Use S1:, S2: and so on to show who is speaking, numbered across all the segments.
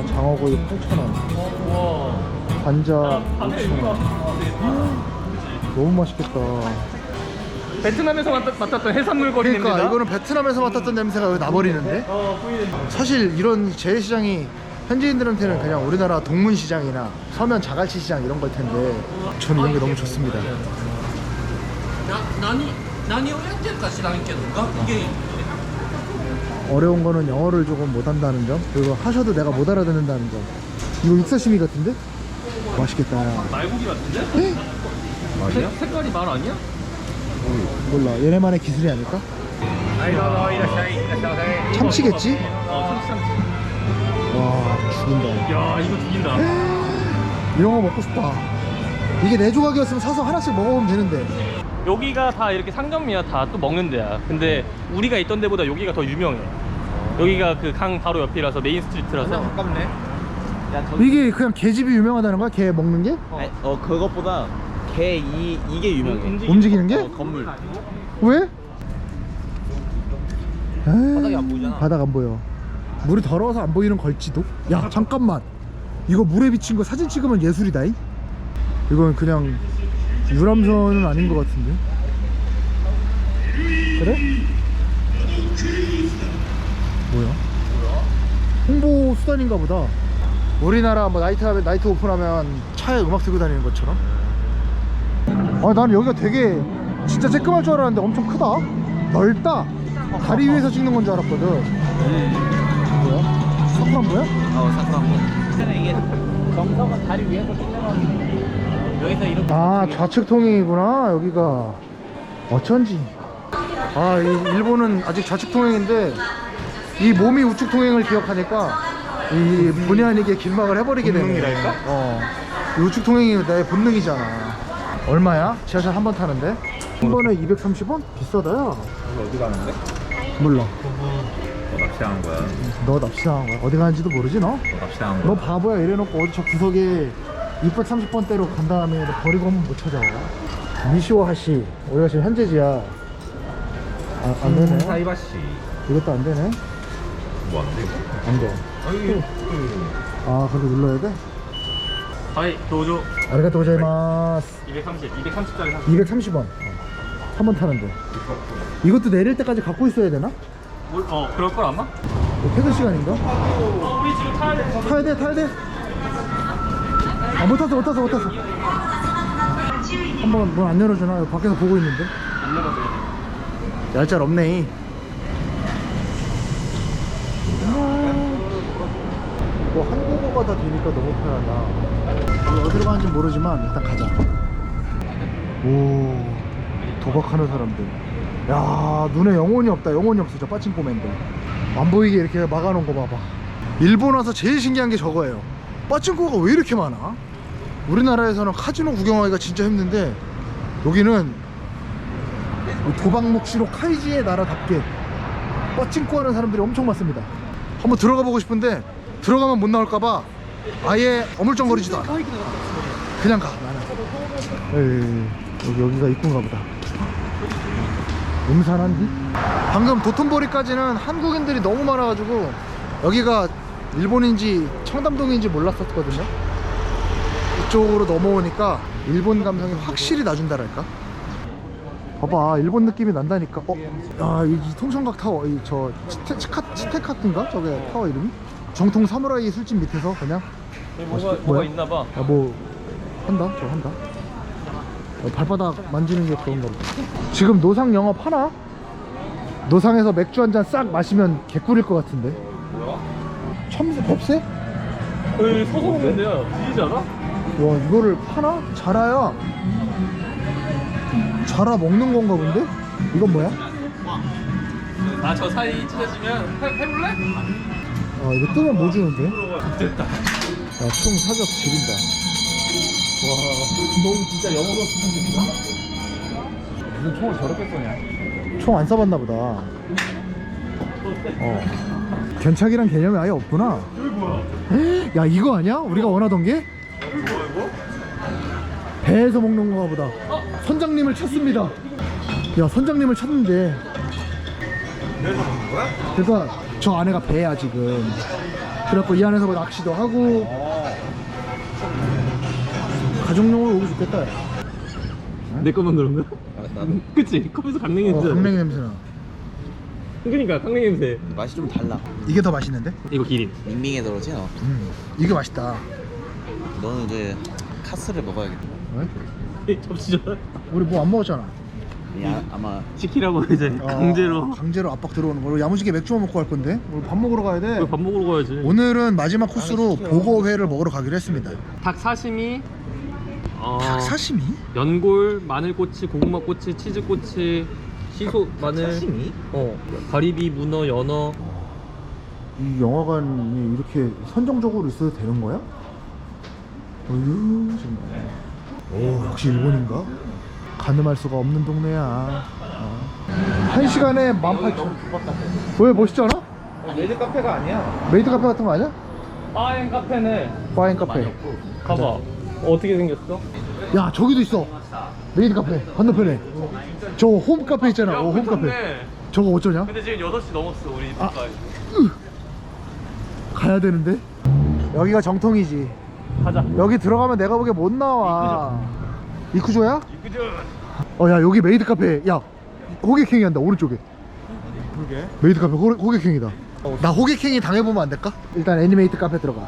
S1: 장어구이 8,000원, 관자 6,000원. 너무 맛있겠다.
S2: 베트남에서 맡았던 해산물 거리
S1: 그러니까
S2: 냄새다?
S1: 이거는 베트남에서 맡았던 냄새가 여기 나버리는데. 사실 이런 재래시장이 현지인들한테는 그냥 우리나라 동문시장이나 서면 자갈치 시장 이런 걸 텐데 저는 이런 게 너무 좋습니다.
S3: 何をやってるか知らんけどが이게
S1: 어려운 거는 영어를 조금 못한다는 점, 그리고 하셔도 내가 못 알아듣는다는 점. 이거 육사시미 같은데? 맛있겠다.
S2: 말고기 같은데?
S3: 말이야?
S2: 색깔이 말 아니야?
S1: 몰라, 얘네만의 기술이 아닐까? 참치겠지?
S2: 참치.
S1: 와, 죽인다.
S2: 야, 이거 죽인다.
S1: 이런 거 먹고 싶다. 이게 내 조각이었으면 사서 하나씩 먹어보면 되는데.
S2: 여기가 다 이렇게 상점이야. 다 또 먹는 데야. 근데 우리가 있던 데보다 여기가 더 유명해. 여기가 그 강 바로 옆이라서 메인 스트리트라서.
S3: 가깝네. 야,
S1: 이게 그냥 개집이 유명하다는 거야? 개 먹는 게?
S3: 그것보다 이게 유명해.
S1: 움직이는 게?
S3: 건물.
S1: 왜?
S3: 바닥이 안 보이잖아.
S1: 바닥 안 보여. 물이 더러워서 안 보이는 걸지도? 야, 잠깐만. 이거 물에 비친 거 사진 찍으면 예술이다. 이건 그냥 유람선은 아닌 것 같은데. 그래? 뭐야? 홍보 수단인가 보다. 우리나라 뭐 나이트 오픈하면 차에 음악 들고 다니는 것처럼. 아, 나는 여기가 되게 진짜 쬐끔할 줄 알았는데 엄청 크다. 넓다. 다리 위에서 찍는 건 줄 알았거든. 뭐야? 사쿠란보야?
S3: 사쿠란보. 이게 정석은 다리 위에서 찍는 거. 여기서 이렇게.
S1: 아, 좌측 통행이구나 여기가. 어쩐지. 아, 이 일본은 아직 좌측 통행인데 이 몸이 우측 통행을 기억하니까 이 본의 아니게 길막을 해버리게 되네.
S2: 본능이랄까?
S1: 이 우측 통행이 내 본능이잖아. 얼마야? 지하철 한 번 타는데? 한 번에 230원? 비싸다. 야,
S4: 어디 가는데?
S1: 몰라.
S4: 너 납치당한 거야.
S1: 너 납치당한 거야. 어디 가는지도 모르지 너?
S4: 너 납치당한
S1: 너
S4: 거야.
S1: 바보야. 이래놓고 어디 저 구석에 630번대로 간 다음에 너 버리고 오면 못 찾아. 미시오 하시. 우리가 지금 현재지야. 아, 안 되네.
S4: 사이바시.
S1: 이것도 안 되네.
S4: 뭐 안 돼? 이거?
S1: 안 돼. 아, 근데 눌러야 돼?
S2: 하이, 도저.
S1: 아리가또 고자이마스.
S2: 230짜리 사.
S1: 230원. 한 번 타는데. 이것도 내릴 때까지 갖고 있어야 되나?
S2: 그럴 걸 아마?
S1: 퇴근 시간인가?
S2: 우리 지금 타야 돼.
S1: 타야 돼. 아, 못 탔어. 한번 문 안 열어주나? 여기 밖에서 보고 있는데.
S2: 안 열어도 돼.
S1: 얄짤 없네. 뭐 한국어가 다 되니까 너무 편하다. 어디로 가는지 모르지만 일단 가자. 오, 도박하는 사람들. 야, 눈에 영혼이 없다. 영혼이 없어. 저 빠칭코맨들 안 보이게 이렇게 막아놓은 거 봐봐. 일본 와서 제일 신기한 게 저거예요. 빠칭코가 왜 이렇게 많아? 우리나라에서는 카지노 구경하기가 진짜 힘든데 여기는 도박 묵시로 카이지의 나라답게 빠칭코 하는 사람들이 엄청 많습니다. 한번 들어가 보고 싶은데 들어가면 못 나올까봐 아예 어물쩡거리지도 않아. 그냥 가. 나는 여기가 입구인가 보다. 음산한디? 방금 도톤보리까지는 한국인들이 너무 많아가지고 여기가 일본인지 청담동인지 몰랐었거든요. 이쪽으로 넘어오니까 일본 감성이 확실히 나준다랄까. 봐봐, 일본 느낌이 난다니까. 이 통성각 타워, 저 치테카트인가? 저게 타워 이름이? 정통 사무라이 술집 밑에서 그냥
S2: 뭐가
S1: 뭐야?
S2: 있나봐.
S1: 야, 뭐 한다? 저 한다. 발바닥 만지는 게 그런가 보다. 지금 노상 영업하나? 노상에서 맥주 한 잔 싹 마시면 개꿀일 것 같은데.
S2: 뭐야?
S1: 참새? 법새?
S2: 여기 서서 먹는데요. 뒤지지 않아?
S1: 와, 이거를 파나? 자라야 자라 먹는 건가 본데? 이건 뭐야?
S2: 저 사이 찢어지면 해볼래?
S1: 이거 뜨면 뭐 주는데?
S2: 됐다.
S1: 야, 총 사격 지린다.
S2: 너무 진짜 영어로 쓰는 무슨 총을 저렇게 쏘냐?
S1: 총 안 써봤나 보다. 견착이란 개념이 아예 없구나.
S2: 여기 뭐야?
S1: 야, 이거 아니야? 우리가 원하던 게?
S2: 여기 뭐야 이거?
S1: 배에서 먹는 건가 보다. 선장님을 찾습니다. 야, 선장님을 찾는데.
S4: 배에서 먹는 거야?
S1: 그러니까 저 안에가 배야 지금. 그래갖고 이 안에서 뭐 낚시도 하고 가족용으로 오기 좋겠다. 야.
S2: 내 것만 그런 거야?
S3: 나도.
S2: 그치? 컵에서 강냉이 냄새.
S1: 강냉이 냄새나.
S2: 그러니까 강냉이 냄새.
S3: 맛이 좀 달라.
S1: 이게 더 맛있는데?
S2: 이거 기린.
S3: 밍밍해 들어지 너.
S1: 이게 맛있다.
S3: 너는 이제 카스를 먹어야겠다.
S1: 왜?
S2: 접시잖아.
S1: 우리 뭐 안 먹었잖아.
S3: 야, 아마
S2: 시키라고 이제 강제로.
S1: 강제로 압박 들어오는 걸로. 야무지게 맥주만 먹고 갈 건데. 오늘 밥 먹으러 가야 돼.
S2: 밥 먹으러 가야지.
S1: 오늘은 마지막 코스로 보거회를 먹으러 가기로 했습니다.
S2: 닭 사시미.
S1: 닭 사시미?
S2: 연골, 마늘꼬치, 고구마꼬치, 치즈꼬치, 시소 마늘.
S3: 사시미?
S2: 가리비, 문어, 연어.
S1: 이 영화관이 이렇게 선정적으로 있어도 되는 거야? 어휴 정말. 오 역시 일본인가? 가늠할 수가 없는 동네야. 1시간에 18,000원. 왜 멋있지 않아?
S3: 메이드 카페가 아니야.
S1: 메이드 카페 같은 거 아니야?
S2: 바엔 카페네.
S1: 파인 카페.
S2: 봐봐. 어떻게 생겼어?
S1: 야 저기도 있어. 메이드 카페 건너편에. 저 홈 카페 있잖아. 홈 카페. 저거 어쩌냐?
S2: 근데 지금 8시 넘었어 우리 집
S1: 아.
S2: 가까이.
S1: 가야 되는데. 여기가 정통이지.
S2: 가자.
S1: 여기 들어가면 내가 보기에 못 나와. 이쿠조야?
S2: 이끄죠.
S1: 야 여기 메이드 카페. 야 호객행위 한다 오른쪽에.
S3: 그러게.
S1: 메이드 카페 호객행위다. 나 호객행위 당해보면 안 될까? 일단 애니메이트 카페 들어가.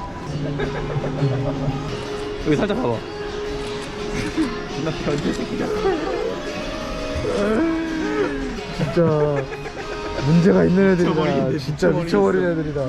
S2: 여기 살짝 가봐.
S3: 나 변태 새끼다.
S1: 진짜 문제가 있는 애들이다.
S2: 미쳐버리겠네,
S1: 진짜 미쳐버린 애들이다.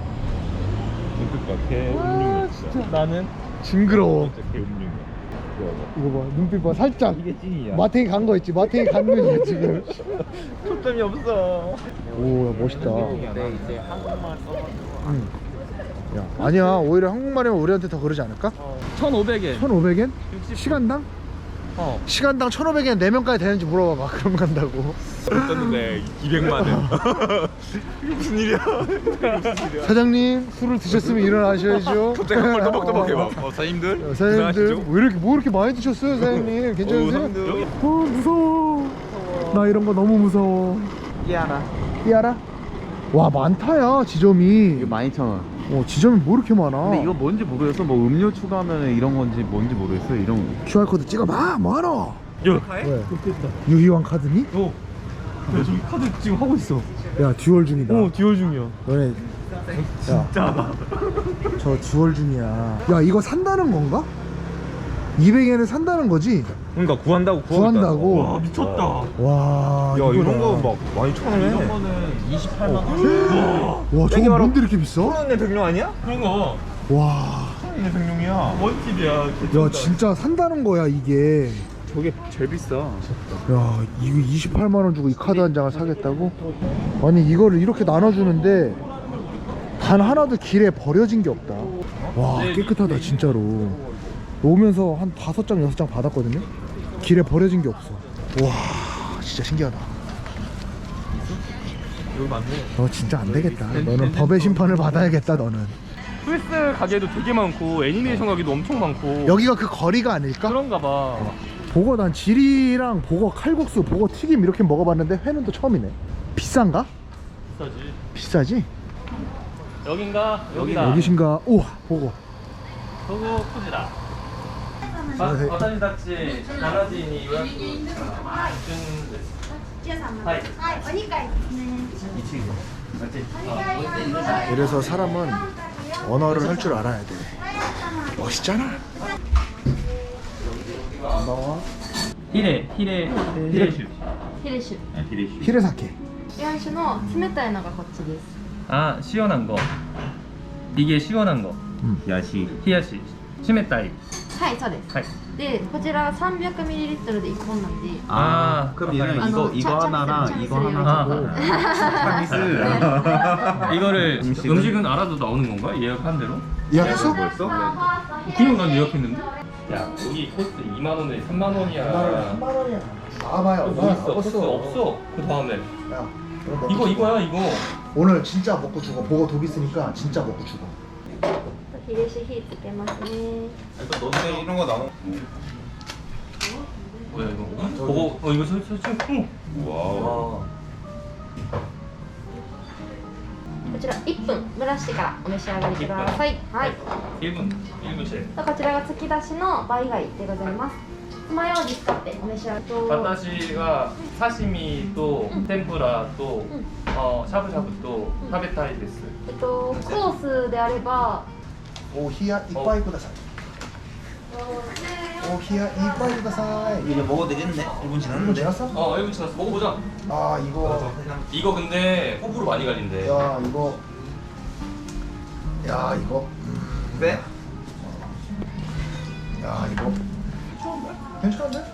S4: 그니까 개 음흉이야 진짜.
S2: 나는
S1: 징그러워.
S4: 진짜 개 음흉이야.
S1: 이거 봐 눈빛 봐 살짝.
S4: 이게 찐이야.
S1: 마탱이 간 거 있지. 마탱이 간 눈이야 지금.
S2: 초점이 없어.
S1: 오 야, 멋있다.
S3: 근데 이제 한국말 써가지고.
S1: 응. 야 아니야 오히려 한국말이면 우리한테 더 그러지 않을까?
S2: 1,500엔.
S1: 1,500엔? 시간당? 시간당 1,500엔 4명까지 되는지 물어봐봐. 그럼 간다고.
S4: 떴는데 200만 원. 이게 무슨 일이야?
S1: 사장님 술을 드셨으면 일어나셔야죠.
S4: 갑자기 한번 또박또박 해봐. 사장님들?
S1: 사장님들 왜 이렇게 많이 드셨어요 사장님? 괜찮으세요? 무서워. 나 이런 거 너무 무서워.
S3: 끼하나.
S1: 삐아라? 와 많다야 지점이.
S3: 이거 12,000원.
S1: 지점이 뭐 이렇게 많아.
S3: 근데 이거 뭔지 모르겠어. 뭐 음료 추가하면 이런 건지 뭔지 모르겠어. 이런 거.
S1: QR코드 찍어봐. 뭐하노?
S2: 야,
S1: 왜? 유희왕 카드니?
S2: 야 저기 카드 지금 하고 있어.
S1: 야 듀얼 중이다.
S2: 듀얼 중이야.
S1: 너네
S2: 진짜다.
S1: 저 듀얼 중이야. 야 이거 산다는 건가? 200엔을 산다는 거지?
S4: 그러니까 구한다고
S1: 구한다고?
S2: 와 미쳤다.
S1: 와
S4: 야 이런
S1: 이거다.
S4: 거막 12,000원에.
S3: 이런 거는 28만 원.
S1: 와 저거 뭔데 이렇게 비싸?
S4: 내 백룡 아니야?
S2: 그런 거
S1: 와.
S4: 내 백룡이야.
S2: 원팁이야.
S1: 야 진짜 산다는 거야 이게.
S3: 저게 제일 비싸.
S1: 야 이거 28만 원 주고 이 카드 한 장을 사겠다고? 아니 이거를 이렇게 나눠주는데 단 하나도 길에 버려진 게 없다. 와 깨끗하다 진짜로. 오면서 한 5장 6장 받았거든요. 길에 버려진 게 없어. 와 진짜 신기하다.
S2: 여기 맞네.
S1: 너 진짜 안 되겠다. 너는 법의 심판을 받아야겠다 너는.
S2: 스위스 가게도 되게 많고 애니메이션 가게도 엄청 많고.
S1: 여기가 그 거리가 아닐까?
S2: 그런가 봐.
S1: 보거 난 지리랑 보거 칼국수, 보거 튀김 이렇게 먹어봤는데 회는 또 처음이네. 비싼가?
S2: 비싸지.
S1: 비싸지?
S2: 여긴가? 여기다.
S1: 여기신가? 우와 보거.
S2: 저거 푸지다.
S1: 안녕하세요.
S2: 와타시다치 나나지니 요약 중 はい。
S5: はい、お二階ですね。
S1: 이래서 사람은 언어를 할 줄 알아야 돼. 멋있잖아.
S2: 히레 슈.
S5: ヒレ酒。
S1: 히레사케.
S5: 日本酒の冷たいのがこっちです。
S2: 아 시원한 거. 이게 시원한 거.
S4: 야시.
S2: 히야시. 시메타이.
S5: はい、そうです。
S2: 하이.
S5: で、こちら 300ml で1本なんで。
S3: 아, 그럼 얘는
S5: 아,
S3: 이거
S5: 참-
S3: 이거
S5: 참-
S3: 하나랑
S5: 참-
S3: 이거
S5: 참-
S3: 하나
S5: 참-
S3: 하고
S2: 이거를
S3: 음식은?
S2: 음식은 알아도 나오는 건가? 예약한 대로?
S1: 예약했어?
S4: 뭐였어?
S2: 그냥 난 예약했는데. 야 여기 코스 2만 원에 3만 원이야.
S1: 3만 원이야. 나와봐요.
S2: 뭐 있어? 코스 없어. 그 다음에
S1: 야,
S2: 이거야 이거.
S1: 오늘 진짜 먹고 죽어. 보고 독 있으니까 진짜 먹고 죽어.
S5: ヒレ酒火つけますね。
S4: 너네 이런 거 나눠.
S2: 뭐야 이거? 보고 이거 설치.
S4: 와우.
S5: こちら1分蒸らしてからお召し上がりください。はい。
S2: 1분 1분째
S5: こちらが突き出しのバイ貝でございます。爪楊枝使ってお召し上がりと。
S2: 私が 사시미 또 템푸라 또 샤브샤브 또 타베타이 데스.
S5: コースであれば、
S1: 오 히야 이빠이 구다사이. 오 히야 이빠이 구다사이.
S3: 이제 먹어도 되겠네. 1분
S1: 이거
S3: 지났는데.
S1: 지났어?
S2: 1분 지났어. 먹어보자.
S1: 아 이거
S2: 이거 근데 호불호 많이 갈린대.
S1: 야 이거 야 이거
S3: 왜?
S1: 야 이거 괜찮은데?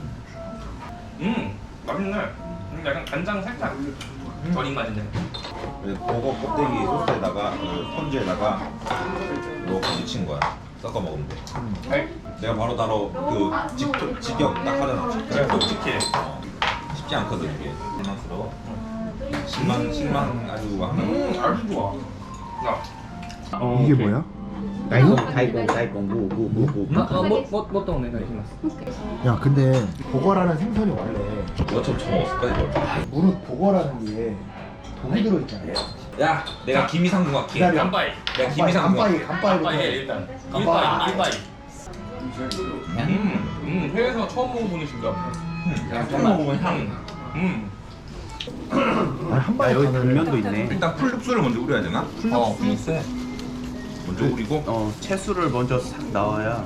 S2: 맛있네. 약간 간장 살짝 절인 맛인데.
S6: 버거 껍데기 소스에다가 그 펀즈에다가 넣고 미친 거야. 섞어 먹으면 돼. 내가 바로 그 직격 딱 하잖아.
S2: 솔직히
S6: 쉽지 않거든 이게. 실망스러워. 실망 아주 하는.
S2: 아주 좋아. 야.
S1: 이게 뭐야?
S3: 다이공 무무무무.
S2: 뭐 때문에 가시마스.
S1: 야 근데 보거라는 생선이 원래
S6: 누가 처음 처먹었을 거야 이걸.
S1: 무릇 보거라는 게 독이 들어있잖아요.
S6: 야, 내가 김이상궁 할게.
S1: 기다려.
S2: 간바이.
S6: 내가 김이상궁 할게.
S1: 간바이
S2: 간바이 일단.
S1: 간바이.
S2: 일바이. 해외에서 처음 먹어보는 신기하다.
S6: 야, 처음 먹어본 향.
S1: 아니 한 방에
S3: 여기
S1: 가면은
S3: 불면도 있네.
S6: 일단 풀육수를 먼저 우려야 되나?
S2: 풀육수.
S6: 먼저 우리고.
S3: 채수를 먼저 싹 나와야.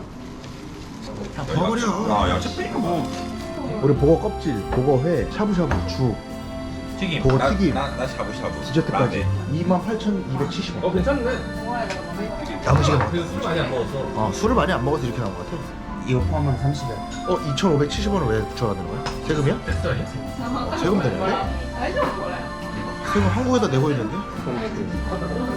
S1: 버려.
S6: 아, 야채 빼니까 뭐.
S1: 우리 보거 껍질, 보거 회, 샤브샤브, 죽,
S2: 튀김.
S1: 보거
S6: 나,
S1: 튀김,
S6: 나 샤브샤브.
S1: 디저트까지
S6: 라떼.
S1: 28,270원.
S2: 괜찮네.
S1: 야무지게 먹.
S2: 그술 많이 안 먹었어.
S1: 술을 많이 안 먹어서 이렇게 나온 것 같아.
S3: 이거 포함하면 30원.
S1: 2,570원을 왜 붙여가는 거야? 세금이야?
S2: 됐어 아니야?
S1: 세금 되는데? 세금 한국에다 내고 있는데?